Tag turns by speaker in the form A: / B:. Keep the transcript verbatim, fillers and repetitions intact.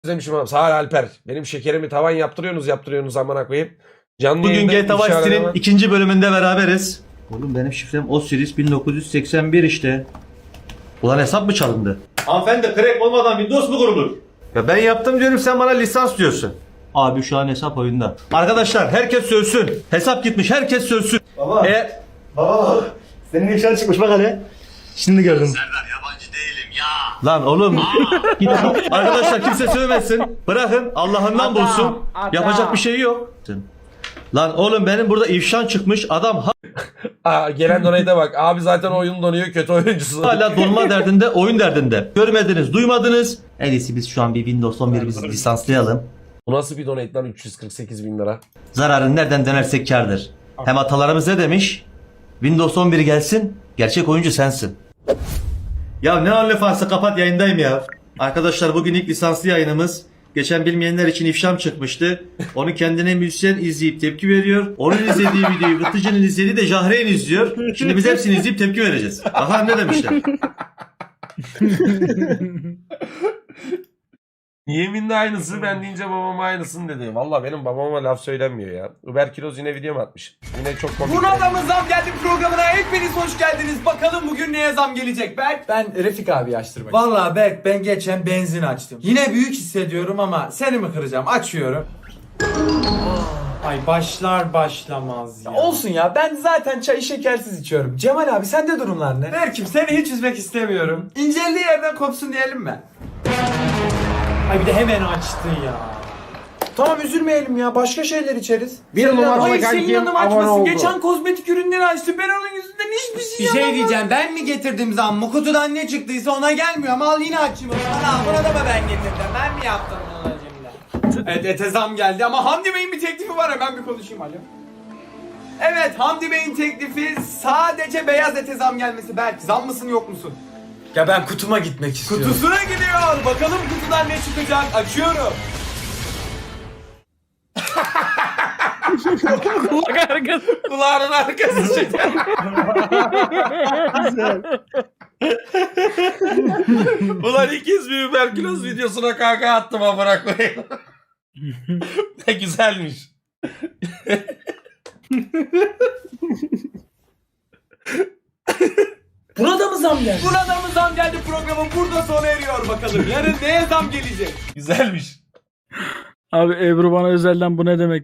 A: Özlemişim abi. Sağ ol Alper. Benim şekerimi tavan yaptırıyorsunuz yaptırıyorsunuz amına koyayım. Canlı
B: Bugün
A: yayında
B: G T A Vice
A: ifşa
B: City'nin
A: arama-
B: ikinci bölümünde beraberiz. Oğlum benim şifrem Osiris bin dokuz yüz seksen bir işte. Ulan hesap mı çalındı? Hanımefendi crack olmadan Windows mu kurulur? Ya ben yaptım diyorum sen bana lisans diyorsun. Abi şu an hesap oyunda. Arkadaşlar herkes sövsün. Hesap gitmiş herkes sövsün.
C: Baba.
B: E,
C: Baba senin ifşan çıkmış bak hele. Şimdi gördüm.
B: lan oğlum. Git. Arkadaşlar kimse sövmesin. Bırakın Allah'ından bulsun. Yapacak bir şey yok. Lan oğlum benim burada ifşan çıkmış adam
A: Aa, gelen donate'e bak. Abi zaten oyun donuyor kötü oyuncusu.
B: hala donma derdinde, oyun derdinde. Görmediniz, duymadınız. En iyisi biz şu an bir Windows on bir biz lisanslayalım.
A: Bu nasıl bir donate lan üç yüz kırk sekiz bin lira.
B: Zararın nereden dönersek kârdır. Hem atalarımız ne demiş? Windows on bir gelsin, gerçek oyuncu sensin. Ya ne OnlyFans'ı kapat yayındayım ya. Arkadaşlar bugün ilk lisanslı yayınımız. Geçen bilmeyenler için ifşam çıkmıştı. Onu kendine müzisyen izleyip tepki veriyor. Onun izlediği videoyu Vıtıcı'nın izlediği de Jahreyn izliyor. Şimdi biz hepsini izleyip tepki vereceğiz. Bakalım ne demişler.
A: Yeminle aynısı ben deyince babama aynısını dedi. Valla benim babama laf söylenmiyor ya. Uber Kiroz yine video mu atmış? Yine çok komik.
D: Buna da mı zam geldi programına? Hepiniz hoş geldiniz. Bakalım bugün neye zam gelecek Berk? Ben Refik abi açtırmak Vallahi Berk ben geçen benzin açtım. Yine büyük hissediyorum ama seni mi kıracağım? Açıyorum.
E: Ay başlar başlamaz ya.
D: Olsun ya ben zaten çayı şekersiz içiyorum. Cemal abi sende durumlar ne? Berk'im seni hiç üzmek istemiyorum. İnceldiği yerden kopsun diyelim mi?
E: Ay bir de hemen açtı ya.
D: Tamam üzülmeyelim ya başka şeyler içeriz.
A: Bir numaralı
D: Hayır senin
A: kankim
D: yanım
A: abone
D: açmasın.
A: oldu.
D: Geçen kozmetik ürünleri açtı. Ben onun yüzünden hiçbir şey
F: Bir şey
D: yapamadım.
F: diyeceğim, ben mi getirdim zammı? Kutudan ne çıktıysa ona gelmiyor ama al yine açayım. Ana buna da mı ben getirdim? Ben mi yaptım bunu şimdi?
D: Evet ete zam geldi ama Hamdi Bey'in bir teklifi var hemen bir konuşayım alo. Evet Hamdi Bey'in teklifi sadece beyaz ete zam gelmesi. Berk zam mısın yok musun?
E: Ya ben kutuma gitmek istiyorum.
D: Kutusuna gidiyor. Bakalım kutudan ne çıkacak. Açıyorum.
G: Kulak arkası.
A: Kulağının arkası çıktı. Ulan ikiz bir Uber Kiroz videosuna kaka attım amına koyayım. Ne güzelmiş.
D: Buna da mı zam geldi? Buna da mı zam geldi programın burada sona eriyor bakalım. Yarın neye zam gelecek?
A: Güzelmiş.
G: Abi Ebru bana özelden bu ne demek